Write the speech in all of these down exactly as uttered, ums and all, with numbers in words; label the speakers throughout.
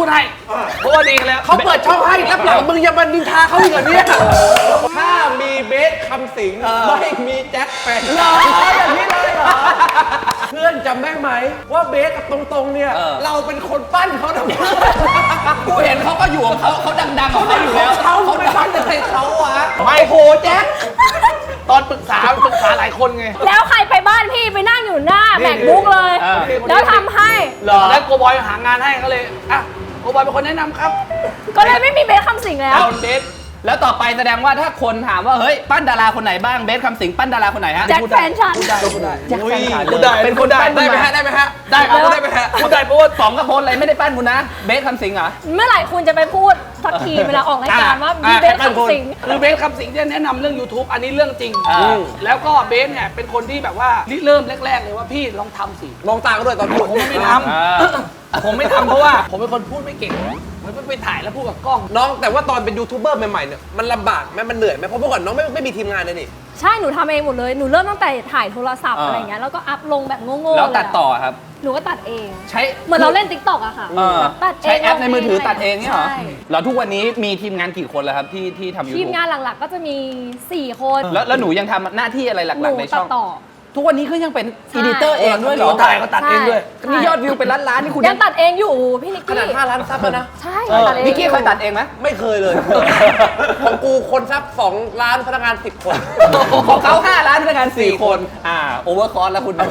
Speaker 1: ดให้เพราะว่าดีกันแล้ว
Speaker 2: เขาเปิดช่องให้แล้วหลังมึงยังมานินทาเขาอีกเหรอเนี่ยถ้ามีเบสคำสิงไม่มีแจ็คแฟนเหรออย่างนี้เลยเหรอเพื่อนจำได้ไหมว่าเบสกับตรงๆเนี่ยเราเป็นคนปั้นเขาทำไมกูเห็นเขาก็อยู่ของเขาเขาดังๆของเขาอยู่แล้วเขาเขาไม่ปั้นอะไรเขาวะไม่โหแจ็ค
Speaker 1: ตอนปรึกษาปรึกษาหลายคนไง
Speaker 3: แล้วใครไปบ้านพี่ไปนั่งอยู่หน้าแบกบุ๊กเลยแล้วทำให้
Speaker 1: เหรอแล้วโกบอยหางานให้ก็เลยอ่ะโกบอยเป็นคนแนะนำครับ
Speaker 3: ก็เลยไม่มีเบสคำสิงแล้ว
Speaker 1: เอาเบส
Speaker 4: แล้วต่อไปแสดงว่าถ้าคนถามว่าเฮ้ยปั้นดาราคนไหนบ้างเบสคำสิงปั้นดาราคนไหนฮะ
Speaker 3: แจ็คแฟนฉัน
Speaker 1: พูดได้พูดได้
Speaker 4: แจ็คแฟนฉัน
Speaker 1: พูดได้
Speaker 4: เป็นคนปั้น
Speaker 2: ได้ไหมฮะได้ไหมฮะ
Speaker 1: ได้ครับได้ไหมฮะพูดได้เพราะว่า
Speaker 4: สองกระโพนอะไรไม่ได้ปั้นคุณนะเบสคำสิงเหรอ
Speaker 3: เมื่อไหร่คุณจะไปพูดสักทีเวลาออกรายการว่ามีเบสคำสิง
Speaker 1: คือเบสคำสิงเนี่ยแนะนำเรื่อง YouTube อันนี้เรื่องจริงแล้วก็เบสเนี่ยเป็นคนที่แบบว่าเริ่มแรกๆเลยว่าพี่ลองทำสิ
Speaker 2: มองตาก็ด้วยตอนพูด
Speaker 1: ผมไม่ทำผมไม่ทำเพราะว่าผมเป็นคนพูดไม่เก่งมันไปถ่ายแล้วพูดกับกล้อง
Speaker 2: น้องแต่ว่าตอนเป็นยูทูบเบอร์ใหม่ๆเนี่ยมันลำบากไหมมันเหนื่อยไหมเพราะเมื่อก่อนน้องไม่ไม่มีทีมงานเลยนี่
Speaker 3: ใช่หนูทำเองหมดเลยหนูเริ่มตั้งแต่ถ่ายโทรศัพท์อะไรเงี้ยแล้วก็อัพลงแบบโง่ๆ
Speaker 4: แล้วตัดต่อครับ
Speaker 3: หนูก็ตัดเอง
Speaker 4: ใช้
Speaker 3: เหมือนเราเล่น ติ๊กต็อก อะค่ะ
Speaker 4: ตัดเองใช้แอปในมือถือตัดเองเนี่ยเหรอแล้วทุกวันนี้มีทีมงานกี่คนแล้วครับที่ที่ทำยูทูบ
Speaker 3: ทีมงานหลักๆก็จะมีสี่คน
Speaker 4: แล้วแล้วหนูยังทำหน้าที่อะไรหลักๆในช่อง
Speaker 3: ต่อ
Speaker 4: ทุกวันนี้ก็ยังเป็นอีดิเตอร์เองด้วยเหรอ
Speaker 1: ถ่ายก็ตัดเองด้วย
Speaker 4: นี่ยอดวิวเป็นล้านล้านนี่คุณ
Speaker 3: ยังตัดเองอยู่พี่นิกกี้
Speaker 2: ขนาดห้าล้านซับแล้วนะ
Speaker 3: ใช่ตัดเอง
Speaker 4: นิกกี้เคยตัดเองไหม
Speaker 2: ไม่เคยเลยของกูคนซับสองล้านพนักงานสิบคน
Speaker 4: ของเขาห้าล้านพนักงานสี่คนอ่าโอเวอร์คอร์สแล้วคุณ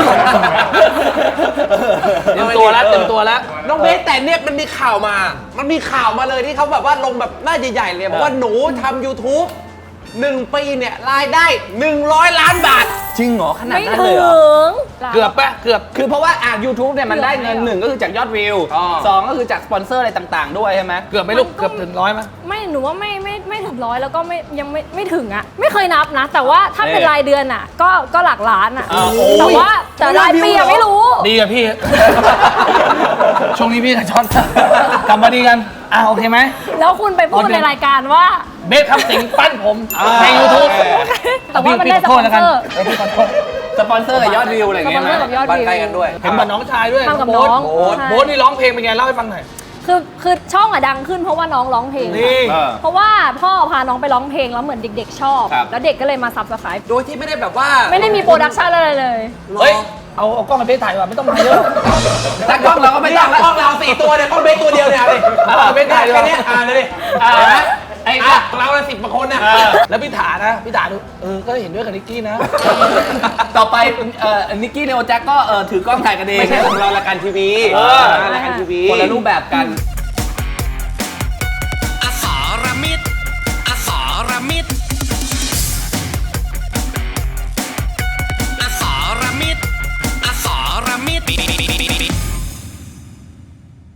Speaker 1: เต็มตัวแล้วเต็มตัวแล้ว
Speaker 2: น้องเบสแต่เนี่ยมันมีข่าวมามันมีข่าวมาเลยที่เขาแบบว่าลงแบบหน้าใหญ่ๆเลยบอกว่าหนูทำ YouTubeหนึ่งปีเนี่ยรายได้หนึ่งร้อยล้านบาท
Speaker 4: จริงเหรอขนาดนั้น
Speaker 3: เล
Speaker 4: ยเหรอ
Speaker 1: เกือบปะเกือบ
Speaker 4: คือเพราะว่าอ่ะ YouTube เนี่ยมันได้เงินหนึ่งก็คือจากยอดวิวสองก็คือจากสปอนเซอร์อะไรต่างๆด้วยใช่ไหม
Speaker 1: เกือบไม่ลูกเกือบถึงร้อยไหม
Speaker 3: ไม่หนูว่าไม่ไม่ไม่ถึงร้อยแล้วก็ไม่ยังไม่ไม่ถึงอ่ะไม่เคยนับนะแต่ว่าถ้าเป็นรายเดือนอ่ะก็ก็หลักล้านอ่ะแต่ว่าแต่รายปีอะไม่รู้
Speaker 1: ดีกับพี่ช่วงนี้พี่กับช็อตกลับมาดีกันอ่ะโอเคไหม
Speaker 3: แล้วคุณไปพูดในรายการว่า
Speaker 1: เบสคำสิงปั้นผมใน YouTube
Speaker 3: แต่ว่ามันได้สปอนเซอร์
Speaker 4: สปอนเซอร์กับยอดวิวอะไรอย่างเงี้ย
Speaker 3: นะ
Speaker 2: บ้านใกล้กันด้วย
Speaker 1: เห็นกับน้องชายด้วย
Speaker 3: ทำกับน้อง
Speaker 1: โบ๊ทนี่ร้องเพลงเป็นไงเล่าให้ฟังหน่อย
Speaker 3: คือคือช่องอะดังขึ้นเพราะว่าน้องร้องเพลงเพราะว่าพ่อพาน้องไปร้องเพลงแล้วเหมือนเด็กๆชอบแล้วเด็กก็เลยมาซับสไครป์
Speaker 2: โดยที่ไม่ได้แบบว่า
Speaker 3: ไม่ได้มีโปรดักชั่นอะไรเลย
Speaker 1: เฮ้ยเอาเอากล้องมาเบสถ่ายว่ะไม่ต้องมาเยอะ
Speaker 4: แต่กล้องเราก็ไม่ต้อง
Speaker 2: กล้องเราสี่ตัวเนี่ยกล้องเบสตัวเดียวเนี่ยดิเบสถ่ายแค่นี้อ่าเลยไอ้เราละสิบกว่าคนนะ
Speaker 1: แล้วพี่ถานะพี่ถาดูเออก็เห็นด้วยกับนิกกี้นะ
Speaker 4: ต่อไปเอ่อนิกกี้เนโอแจ็คก็เออถือกล้องถ่ายกันเอง
Speaker 2: ไม่ใช่ของเรารายการทีวี
Speaker 4: รายการทีวีคนละรูปแบบกัน